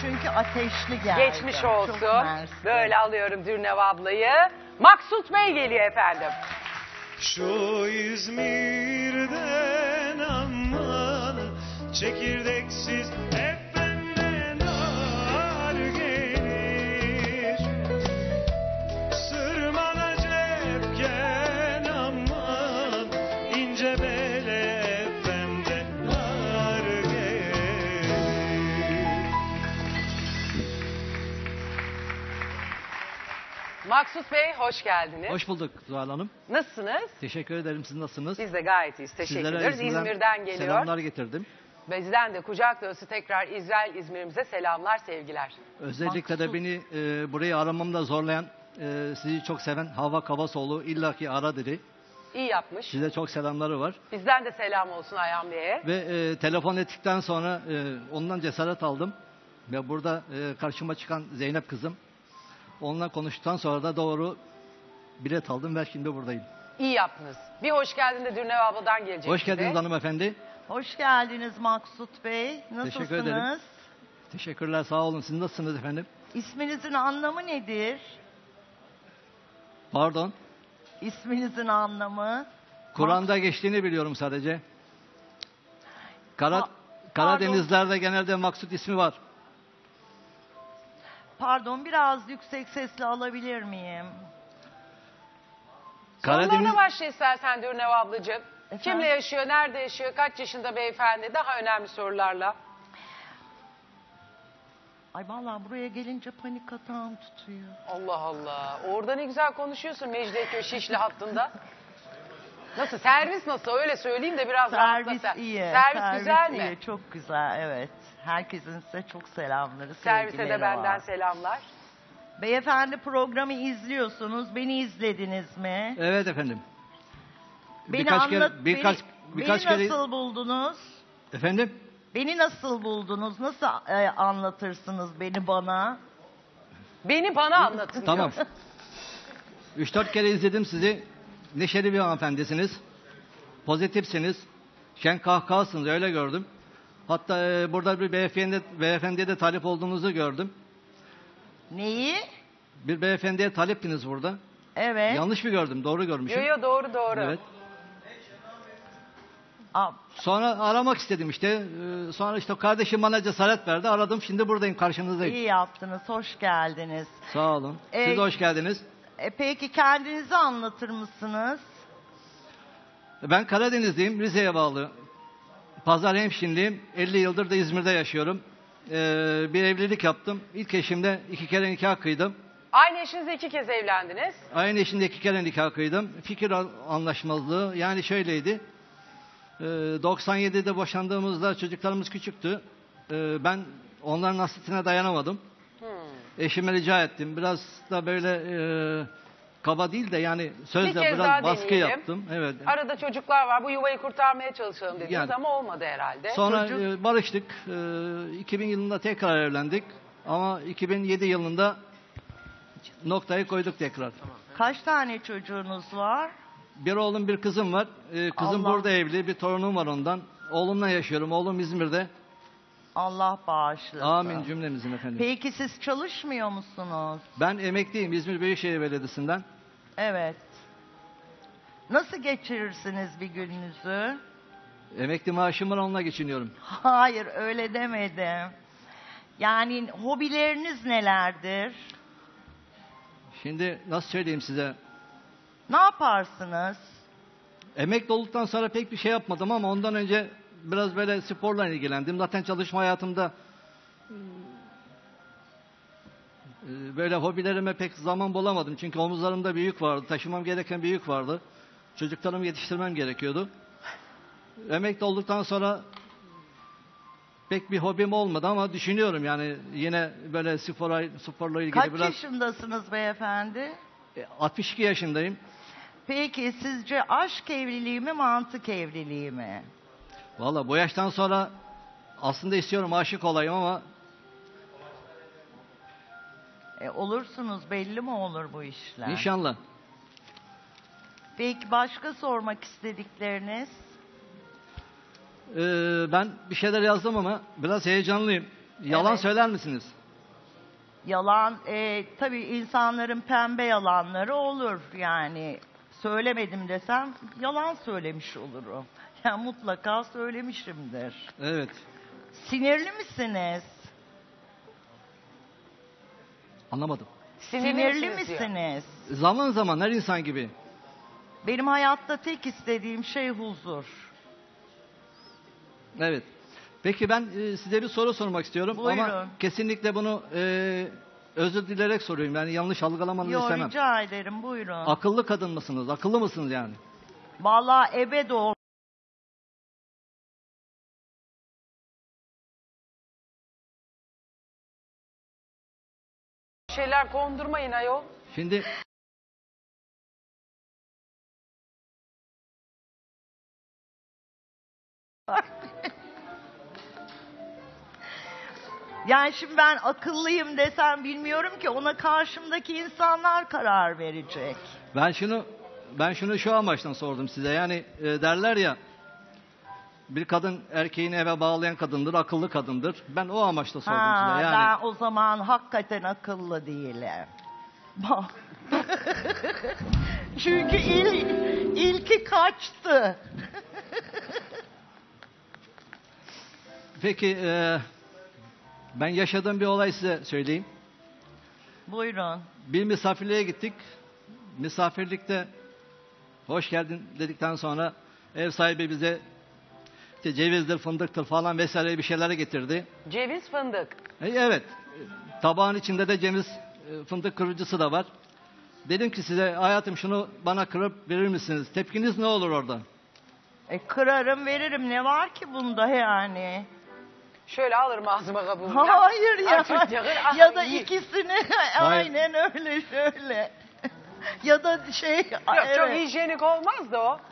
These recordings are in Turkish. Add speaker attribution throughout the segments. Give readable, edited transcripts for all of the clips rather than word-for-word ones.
Speaker 1: çünkü ateşli geldi.
Speaker 2: Geçmiş olsun.
Speaker 1: Çok mersi.
Speaker 2: Böyle alıyorum Dürnev ablayı. Maksut Bey geliyor efendim.
Speaker 3: Şu İzmir'den aman çekirdeksiz hep benden ağır gelir. Sırmana cepken aman ince bele hep benden ağır gelir.
Speaker 2: Maksut Bey hoş geldiniz.
Speaker 4: Hoş bulduk Zuhal Hanım.
Speaker 2: Nasılsınız?
Speaker 4: Teşekkür ederim. Siz nasılsınız?
Speaker 2: Biz de gayet iyiyiz. Teşekkür
Speaker 4: Sizlere
Speaker 2: ederiz. İzmir'den geliyor.
Speaker 4: selamlar getirdim.
Speaker 2: Bizden de kucak dolusu tekrar İzmir'imize selamlar, sevgiler.
Speaker 4: Özellikle de
Speaker 1: Maksut.
Speaker 4: beni burayı aramamda zorlayan, sizi çok seven Havva Kavasoğlu illaki ara dedi.
Speaker 2: İyi yapmış.
Speaker 4: Size çok selamları var.
Speaker 2: Bizden de selam olsun Ayhan Bey'e.
Speaker 4: Ve telefon ettikten sonra ondan cesaret aldım. Ve burada karşıma çıkan Zeynep kızım. Onunla konuştuktan sonra da doğru bilet aldım ve şimdi buradayım.
Speaker 2: İyi yaptınız. Bir hoş geldin de Dürnev abladan gelecek.
Speaker 4: Hoş
Speaker 2: bize.
Speaker 4: geldiniz hanımefendi.
Speaker 1: Hoş geldiniz Maksut Bey. Nasılsınız?
Speaker 4: Teşekkür ederim. Teşekkürler, sağ olun. Siz nasılsınız efendim?
Speaker 1: İsminizin anlamı nedir?
Speaker 4: Pardon.
Speaker 1: İsminizin anlamı?
Speaker 4: Kur'an'da geçtiğini biliyorum sadece.
Speaker 1: Pardon.
Speaker 4: Karadenizlerde genelde Maksut ismi var.
Speaker 1: Pardon, biraz yüksek sesle alabilir miyim?
Speaker 2: Sorularına başla istersen Dürnev ablacığım.
Speaker 1: Efendim?
Speaker 2: Kimle yaşıyor, nerede yaşıyor, kaç yaşında beyefendi? Daha önemli sorularla.
Speaker 1: Ay vallahi buraya gelince panik atağım tutuyor.
Speaker 2: Allah Allah. Orada ne güzel konuşuyorsun Mecidiyeköy Şişli hattında. Nasıl? Servis nasıl? Öyle söyleyeyim de biraz
Speaker 1: Servis
Speaker 2: rahatla sen.
Speaker 1: iyi.
Speaker 2: Servis güzel mi?
Speaker 1: iyi, çok güzel, evet. Herkesin size çok selamları,
Speaker 2: Servise de
Speaker 1: sevgileri
Speaker 2: benden
Speaker 1: var.
Speaker 2: selamlar.
Speaker 1: Beyefendi programı izliyorsunuz. Beni izlediniz mi?
Speaker 4: Evet efendim.
Speaker 1: Beni
Speaker 4: Birkaç kere
Speaker 1: nasıl buldunuz?
Speaker 4: efendim.
Speaker 1: Beni nasıl buldunuz? Nasıl anlatırsınız beni bana?
Speaker 2: Beni bana anlatın
Speaker 4: Tamam.
Speaker 2: diyor.
Speaker 4: 3-4 kere izledim sizi. Neşeli bir hanımefendisiniz. Pozitifsiniz. Şen kahkahasınız, öyle gördüm. Hatta burada bir beyefendiye de talip olduğunuzu gördüm.
Speaker 1: Neyi?
Speaker 4: Bir beyefendiye taliptiniz burada.
Speaker 1: Evet.
Speaker 4: Yanlış mı gördüm? Doğru görmüşüm.
Speaker 2: Yo doğru.
Speaker 4: Evet.
Speaker 1: Aa,
Speaker 4: Sonra aramak istedim işte. Sonra işte kardeşim bana cesaret verdi. Aradım, şimdi buradayım, karşınızdayım.
Speaker 1: iyi yaptınız. Hoş geldiniz.
Speaker 4: Sağ olun. Siz de hoş geldiniz.
Speaker 1: Peki kendinizi anlatır mısınız?
Speaker 4: Ben Karadenizliyim, Rize'ye bağlı. Pazarhemşinliyim. 50 yıldır da İzmir'de yaşıyorum. Bir evlilik yaptım. İlk eşimde 2 kere nikah kıydım.
Speaker 2: Aynı eşinizle 2 kez evlendiniz.
Speaker 4: Aynı eşimde 2 kere nikah kıydım. Fikir anlaşmazlığı yani şöyleydi. 97'de boşandığımızda çocuklarımız küçüktü. Ben onların hasretine dayanamadım. Eşime rica ettim. Biraz da böyle kaba değil de yani
Speaker 2: Bir
Speaker 4: sözle
Speaker 2: kez daha
Speaker 4: biraz baskı
Speaker 2: deneyelim.
Speaker 4: yaptım. Evet.
Speaker 2: Arada çocuklar var. Bu yuvayı kurtarmaya çalışalım dediniz
Speaker 4: Yani.
Speaker 2: ama olmadı herhalde.
Speaker 4: Sonra barıştık. 2000 yılında tekrar evlendik. Ama 2007 yılında noktayı koyduk tekrar.
Speaker 1: Kaç tane çocuğunuz var?
Speaker 4: Bir oğlum, bir kızım var. Kızım
Speaker 1: Allah.
Speaker 4: burada evli. Bir torunum var ondan. Oğlumla yaşıyorum. Oğlum İzmir'de.
Speaker 1: Allah bağışlasın.
Speaker 4: Amin cümlemizin efendim.
Speaker 1: Peki siz çalışmıyor musunuz?
Speaker 4: Ben emekliyim İzmir Büyükşehir Belediyesi'nden.
Speaker 1: Evet. Nasıl geçirirsiniz bir gününüzü?
Speaker 4: Emekli maaşım var, onunla geçiniyorum.
Speaker 1: Hayır, öyle demedim. Yani hobileriniz nelerdir?
Speaker 4: Şimdi nasıl söyleyeyim size?
Speaker 1: Ne yaparsınız?
Speaker 4: Emekli olduktan sonra pek bir şey yapmadım ama ondan önce biraz böyle sporla ilgilendim. Zaten çalışma hayatımda böyle hobilerime pek zaman bulamadım. Çünkü omuzlarımda bir yük vardı. Taşımam gereken bir yük vardı. Çocuklarımı yetiştirmem gerekiyordu. Emekli olduktan sonra pek bir hobim olmadı ama düşünüyorum yani yine böyle sporla ilgili
Speaker 1: Kaç
Speaker 4: biraz.
Speaker 1: yaşındasınız beyefendi?
Speaker 4: 62 yaşındayım.
Speaker 1: Peki sizce aşk evliliği mi, mantık evliliği mi?
Speaker 4: Valla bu yaştan sonra aslında istiyorum aşık olayım ama
Speaker 1: Olursunuz, belli mi olur bu işler?
Speaker 4: inşallah.
Speaker 1: Peki başka sormak istedikleriniz?
Speaker 4: Ben bir şeyler yazdım ama biraz heyecanlıyım. Yalan
Speaker 1: Evet.
Speaker 4: söyler misiniz?
Speaker 1: Yalan, tabii insanların pembe yalanları olur. Yani söylemedim desem yalan söylemiş olurum. Yani mutlaka söylemişimdir.
Speaker 4: Evet.
Speaker 1: Sinirli misiniz?
Speaker 4: Anlamadım.
Speaker 1: Sinirli
Speaker 2: misiniz diyor.
Speaker 1: misiniz?
Speaker 4: Zaman zaman her insan gibi.
Speaker 1: Benim hayatta tek istediğim şey huzur.
Speaker 4: Evet. Peki ben size bir soru sormak istiyorum.
Speaker 1: Buyurun.
Speaker 4: Ama kesinlikle bunu özür dilerek soruyorum. Yani yanlış algılamanızı
Speaker 1: Yo,
Speaker 4: istemem.
Speaker 1: rica ederim, buyurun.
Speaker 4: Akıllı kadın mısınız? Akıllı mısınız yani?
Speaker 1: Vallahi ebe doğru.
Speaker 2: Şeyler kondurmayın ayol.
Speaker 4: Şimdi
Speaker 1: Yani şimdi ben akıllıyım desem bilmiyorum ki, ona karşımdaki insanlar karar verecek.
Speaker 4: ben şunu şu amaçtan sordum size. Yani derler ya, bir kadın erkeğini eve bağlayan kadındır, akıllı kadındır. Ben o amaçla sordum size. Yani
Speaker 1: Ben o zaman hakikaten akıllı değilim. Çünkü ilki kaçtı.
Speaker 4: peki ben yaşadığım bir olay size söyleyeyim.
Speaker 1: Buyurun.
Speaker 4: Bir misafirliğe gittik. Misafirlikte hoş geldin dedikten sonra ev sahibi bize işte cevizdir, fındıktır falan vesaire bir şeyler getirdi.
Speaker 2: Ceviz fındık.
Speaker 4: Evet. Tabağın içinde de ceviz, fındık kırıcısı da var. Dedim ki size, hayatım şunu bana kırıp verir misiniz? Tepkiniz ne olur orada?
Speaker 1: Kırarım veririm, ne var ki bunda yani?
Speaker 2: Şöyle alırım ağzıma kabuğunu.
Speaker 1: Hayır ya.
Speaker 2: Açık yakın,
Speaker 1: Ya da
Speaker 2: iyi.
Speaker 1: ikisini aynen öyle şöyle. Ya da şey
Speaker 2: Yok, çok
Speaker 1: evet.
Speaker 2: hijyenik olmaz da o.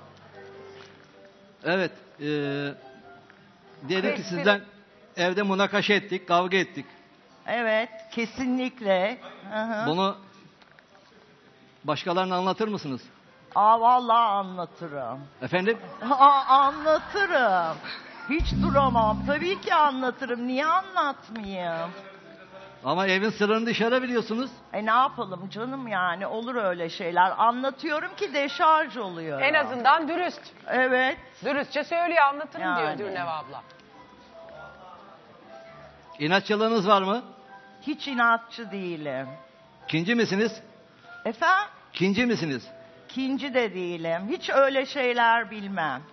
Speaker 4: Evet. Diyelim ki
Speaker 2: Peki.
Speaker 4: sizden evde münakaşa ettik, kavga ettik.
Speaker 1: Evet, kesinlikle. Hı hı.
Speaker 4: Bunu başkalarına anlatır mısınız?
Speaker 1: Vallahi anlatırım.
Speaker 4: Efendim?
Speaker 1: Anlatırım. Hiç duramam. Tabii ki anlatırım. Niye anlatmayayım?
Speaker 4: Ama evin sırrını dışarı biliyorsunuz.
Speaker 1: Ne yapalım canım, yani olur öyle şeyler. Anlatıyorum ki deşarj oluyor.
Speaker 2: En azından dürüst.
Speaker 1: Evet.
Speaker 2: Dürüstçe söylüyor, anlatırım
Speaker 1: Yani.
Speaker 2: diyor Dürnev abla.
Speaker 4: İnatçılığınız var mı?
Speaker 1: Hiç inatçı değilim.
Speaker 4: Kinci misiniz?
Speaker 1: Efendim?
Speaker 4: Kinci misiniz?
Speaker 1: Kinci de değilim. Hiç öyle şeyler bilmem.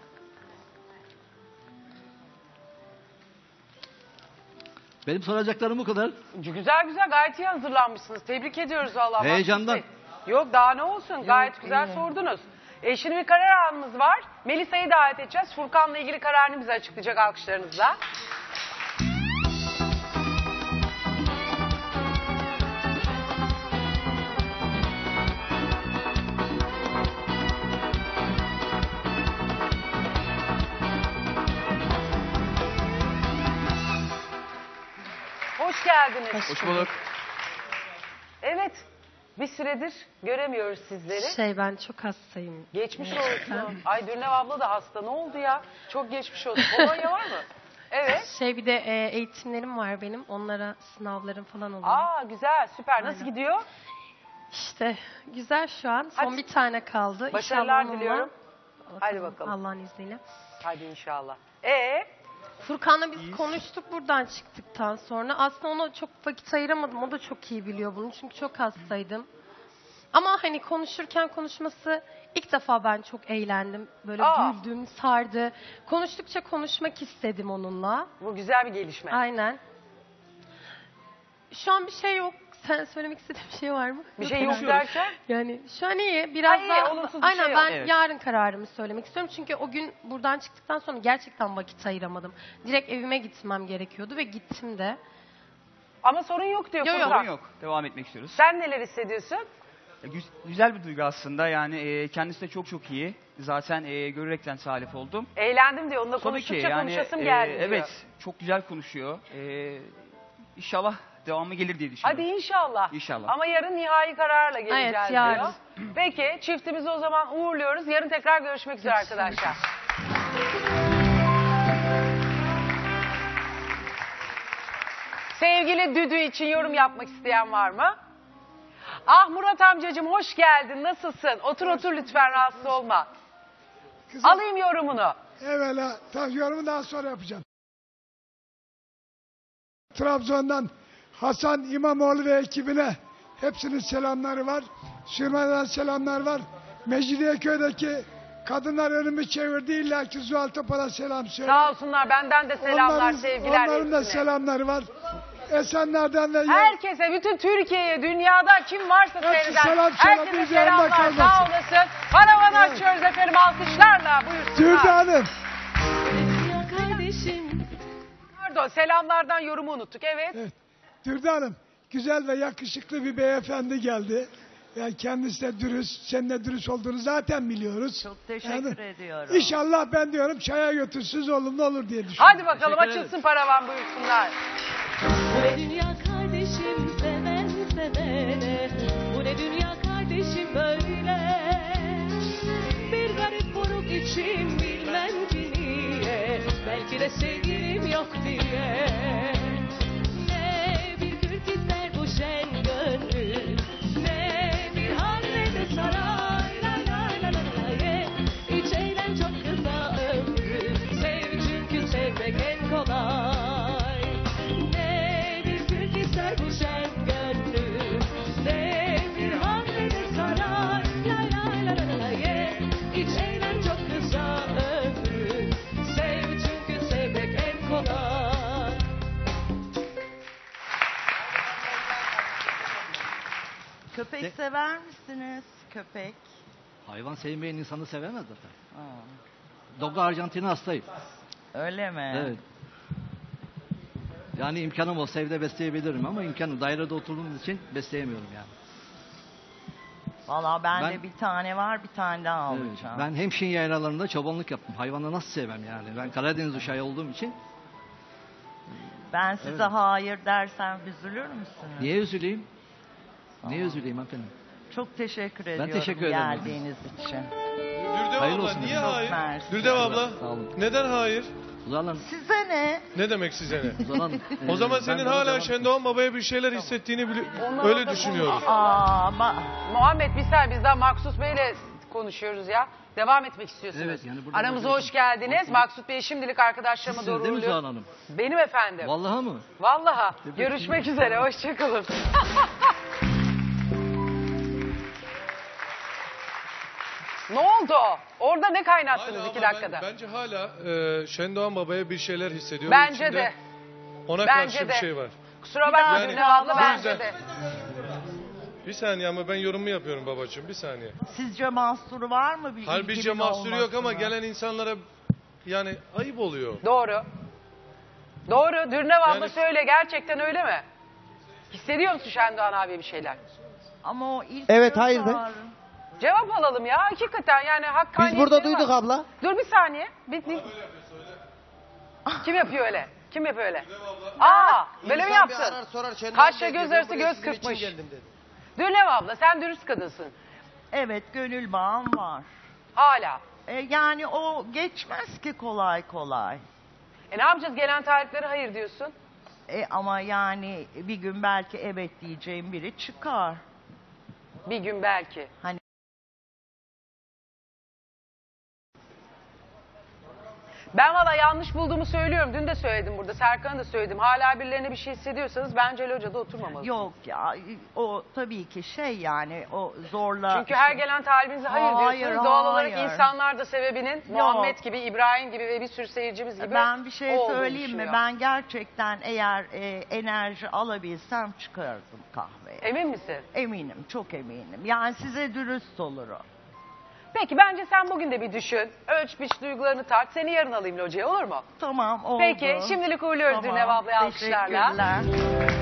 Speaker 4: Benim soracaklarım bu kadar.
Speaker 2: Güzel güzel, gayet iyi hazırlanmışsınız. Tebrik ediyoruz Allah.
Speaker 4: Heyecandan.
Speaker 2: Yok, daha ne olsun, gayet güzel
Speaker 1: iyi.
Speaker 2: sordunuz. Şimdi bir karar anımız var. Melisa'yı davet edeceğiz. Furkan'la ilgili kararını bize açıklayacak alkışlarınızla. Hoş geldiniz.
Speaker 5: Hoş bulduk.
Speaker 2: Evet, bir süredir göremiyoruz sizleri.
Speaker 6: Ben çok hastayım.
Speaker 2: Geçmiş olsun. Ay Dürnev abla da hasta. Ne oldu ya? Çok geçmiş olsun. Polonya var mı? Evet.
Speaker 6: Bir de eğitimlerim var benim. Onlara sınavlarım falan oluyor.
Speaker 2: Aa güzel, süper. Nasıl
Speaker 6: Aynen.
Speaker 2: gidiyor?
Speaker 6: İşte güzel şu an. Son
Speaker 2: Hadi.
Speaker 6: bir tane kaldı.
Speaker 2: Başarılar
Speaker 6: İnşallah onunla-
Speaker 2: diliyorum. Hadi bakalım.
Speaker 6: Allah'ın izniyle.
Speaker 2: Hadi inşallah.
Speaker 6: Furkan'la biz konuştuk buradan çıktıktan sonra. Aslında ona çok vakit ayıramadım. O da çok iyi biliyor bunu. Çünkü çok hastaydım. Ama hani konuşması ilk defa ben çok eğlendim. Böyle güldüm, sardı. Konuştukça konuşmak istedim onunla.
Speaker 2: Bu güzel bir gelişme.
Speaker 6: Aynen. Şu an bir şey yok. Sen söylemek istediğin bir şey var mı?
Speaker 2: Bir şey yok derken?
Speaker 6: Yani şu an iyi. Biraz
Speaker 2: iyi,
Speaker 6: daha...
Speaker 2: olumsuz bir
Speaker 6: Aynen
Speaker 2: şey yok.
Speaker 6: ben
Speaker 5: Evet.
Speaker 6: yarın kararımı söylemek istiyorum. Çünkü o gün buradan çıktıktan sonra gerçekten vakit ayıramadım. Direkt evime gitmem gerekiyordu ve gittim de.
Speaker 2: Ama sorun yok diyor
Speaker 6: Yok,
Speaker 2: Furkan.
Speaker 5: Sorun yok. Devam etmek istiyoruz.
Speaker 2: Sen neler hissediyorsun?
Speaker 5: Güzel bir duygu aslında. Yani kendisi de çok iyi. Zaten görerekten salif oldum.
Speaker 2: Eğlendim diyor. Onunla
Speaker 5: Tabii ki
Speaker 2: konuştukça
Speaker 5: yani
Speaker 2: konuşasım geldi diyor.
Speaker 5: evet, çok güzel konuşuyor. İnşallah devamı gelir diye düşünüyorum.
Speaker 2: Hadi inşallah.
Speaker 5: İnşallah.
Speaker 2: Ama yarın nihai kararla geleceğiz
Speaker 6: Evet, yarın.
Speaker 2: diyor. Peki çiftimizi o zaman uğurluyoruz. Yarın tekrar görüşmek üzere arkadaşlar. Sevgili Düdü için yorum yapmak isteyen var mı? Ah Murat amcacığım hoş geldin. Nasılsın? Otur lütfen, rahatsız olma.
Speaker 7: Kızım,
Speaker 2: Alayım yorumunu.
Speaker 7: evvela yorumu daha sonra yapacağım. Trabzon'dan Hasan İmamoğlu ve ekibine hepsinin selamları var. Sürmeden selamlar var. Mecidiyeköy'deki kadınlar önümü çevirdi. İlla ki Zuhal Topal'a selam söyle.
Speaker 2: Sağ olsunlar, benden de selamlar, sevgiler.
Speaker 7: Onların da
Speaker 2: hepsine.
Speaker 7: selamları var. Esenler'den ve
Speaker 2: Herkese, bütün Türkiye'ye, dünyada kim varsa
Speaker 7: Hepsi
Speaker 2: seyreden.
Speaker 7: selam,
Speaker 2: Herkese
Speaker 7: biz yanında
Speaker 2: selamlar, sağ
Speaker 7: kalmasın.
Speaker 2: olasın. Paravanı açıyoruz efendim, alkışlarla buyursunlar.
Speaker 7: Dürdü Hanım.
Speaker 2: Pardon, selamlardan yorumu unuttuk, evet.
Speaker 7: Evet. Dürdü Hanım, güzel ve yakışıklı bir beyefendi geldi. Yani kendisi de dürüst, senin de dürüst olduğunu zaten biliyoruz.
Speaker 1: Çok teşekkür ediyorum.
Speaker 7: İnşallah ben diyorum çaya götürsüz olumlu olur diye düşünüyorum.
Speaker 2: Hadi bakalım, açılsın paravan, buyursunlar.
Speaker 8: Bu ne dünya kardeşim, seven sevene. Bu ne dünya kardeşim böyle. Bir garip buruk içim, bilmem ki niye. Belki de sevgilim yok diye. Ne bir kürk ister bu şen gönlüm, ne bir hal ne de saray. La la la la la ye. Hiç eğlen, çok kısa ömrüm. Sev çünkü sevmek en kolay. Ne bir kürk ister bu şen gönlüm, ne bir hal ne de saray. La la la la la ye. Hiç eğlen, çok kısa ömrüm. Sev çünkü sevmek en kolay.
Speaker 1: Köpek sever misiniz? Köpek.
Speaker 4: Hayvan sevmeyen insanı sevemez zaten. Dogo Arjantin'i hastayım.
Speaker 1: Öyle mi?
Speaker 4: Evet. Yani imkanım olsa evde besleyebilirim ama dairede oturduğum için besleyemiyorum yani.
Speaker 1: Valla bende
Speaker 4: Ben-
Speaker 1: bir tane var, bir tane daha
Speaker 4: Evet.
Speaker 1: alacağım.
Speaker 4: Ben Hemşin yaylalarında çobanlık yaptım. Hayvanı nasıl sevmem yani. Ben Karadeniz uşağı olduğum için.
Speaker 1: Ben size
Speaker 4: Evet.
Speaker 1: hayır dersem üzülür müsünüz?
Speaker 4: Niye üzüleyim? Niye üzüleyim efendim?
Speaker 1: Çok teşekkür ediyorum
Speaker 4: teşekkür ederim.
Speaker 1: geldiğiniz için.
Speaker 3: Dürdev
Speaker 4: Hayırlı
Speaker 3: abla
Speaker 4: olsun
Speaker 3: niye
Speaker 4: efendim.
Speaker 3: hayır?
Speaker 1: Mersi.
Speaker 3: Dürdev abla
Speaker 4: Sağ olun.
Speaker 3: neden hayır?
Speaker 4: Uzan Hanım.
Speaker 1: Size ne?
Speaker 3: Ne demek size ne?
Speaker 4: Uzan Hanım.
Speaker 3: O zaman
Speaker 4: ben
Speaker 3: senin
Speaker 4: bana
Speaker 3: hala
Speaker 4: devam-
Speaker 3: Şendoğan Baba'ya bir şeyler hissettiğini öyle düşünüyoruz.
Speaker 2: Muhammed bir saniye, biz daha Maksut Bey'le konuşuyoruz ya. Devam etmek istiyorsunuz.
Speaker 4: Evet, yani burada
Speaker 2: Aramıza
Speaker 4: böyle-
Speaker 2: hoş geldiniz. Maksut Bey şimdilik arkadaşlarıma
Speaker 4: Sizsiniz
Speaker 2: doğru
Speaker 4: değil mi Zuhal
Speaker 2: uğurluyorum.
Speaker 4: Hanım?
Speaker 2: Benim efendim.
Speaker 4: Vallahi mı?
Speaker 2: Vallahi.
Speaker 4: Tebrik
Speaker 2: Görüşmek üzere. Hoşçakalın. Ne oldu? Orada ne kaynattınız
Speaker 3: Hala
Speaker 2: 2
Speaker 3: ama
Speaker 2: dakikada?
Speaker 3: bence hala Şendoğan Baba'ya bir şeyler hissediyor.
Speaker 2: Bence
Speaker 3: İçinde
Speaker 2: de.
Speaker 3: Ona
Speaker 2: Bence
Speaker 3: karşı
Speaker 2: de.
Speaker 3: bir şey var.
Speaker 2: Kusura bakma
Speaker 3: Yani-
Speaker 2: Dürdev abla,
Speaker 3: Bu
Speaker 2: bence
Speaker 3: yüzden-
Speaker 2: de.
Speaker 3: Bir saniye ama ben yorumumu yapıyorum babacığım, bir saniye.
Speaker 1: Sizce mahsuru var mı? Bir
Speaker 3: Halbuki
Speaker 1: ilginin
Speaker 3: mahsuru yok ama
Speaker 1: olmasına?
Speaker 3: gelen insanlara yani ayıp oluyor.
Speaker 2: Doğru. Doğru. Dürdev abla
Speaker 3: Yani-
Speaker 2: söyle. Gerçekten öyle mi? Hissediyor musun Şendoğan abi bir şeyler?
Speaker 1: Ama o ilk
Speaker 9: Evet,
Speaker 1: göz
Speaker 9: hayırdır?
Speaker 1: ağrı.
Speaker 2: Cevap alalım ya. Hakikaten yani hakkaniyetleri
Speaker 9: Biz burada
Speaker 2: var.
Speaker 9: duyduk abla.
Speaker 2: Dur bir saniye. Kim yapıyor öyle? Kim yapıyor öyle? Aa, böyle mi yaptın? Kaşla göz arası göz kırpmış. Dürnev abla, sen dürüst kadınsın.
Speaker 1: Evet, gönül bağım var.
Speaker 2: Hala.
Speaker 1: Yani o geçmez ki kolay kolay.
Speaker 2: Ne yapacağız? Gelen taliplere hayır diyorsun.
Speaker 1: Ama yani bir gün belki evet diyeceğim biri çıkar.
Speaker 2: Bir gün belki.
Speaker 1: Hani
Speaker 2: Ben valla yanlış bulduğumu söylüyorum. Dün de söyledim burada. Serkan'a da söyledim. Hala birilerine bir şey hissediyorsanız bence locada oturmamalısınız.
Speaker 1: yok ya, o tabii ki yani o zorla.
Speaker 2: Çünkü her gelen talibinize hayır,
Speaker 1: Hayır,
Speaker 2: diyorsunuz. Doğal olarak
Speaker 1: hayır.
Speaker 2: insanlar da sebebinin Muhammed gibi, İbrahim gibi ve bir sürü seyircimiz gibi
Speaker 1: Ben bir şey
Speaker 2: olduğunu
Speaker 1: söyleyeyim mi?
Speaker 2: düşünüyor.
Speaker 1: Ben gerçekten eğer enerji alabilsem çıkardım kahveye.
Speaker 2: Emin misin?
Speaker 1: Eminim, çok eminim. Yani size dürüst olurum.
Speaker 2: Peki bence sen bugün de bir düşün. Ölç biç duygularını tart. Seni yarın alayım locaya, olur mu?
Speaker 1: Tamam, oldu.
Speaker 2: Peki şimdilik uğurluyoruz
Speaker 1: Tamam,
Speaker 2: Dürnev ablayı alkışlarla.
Speaker 1: teşekkürler.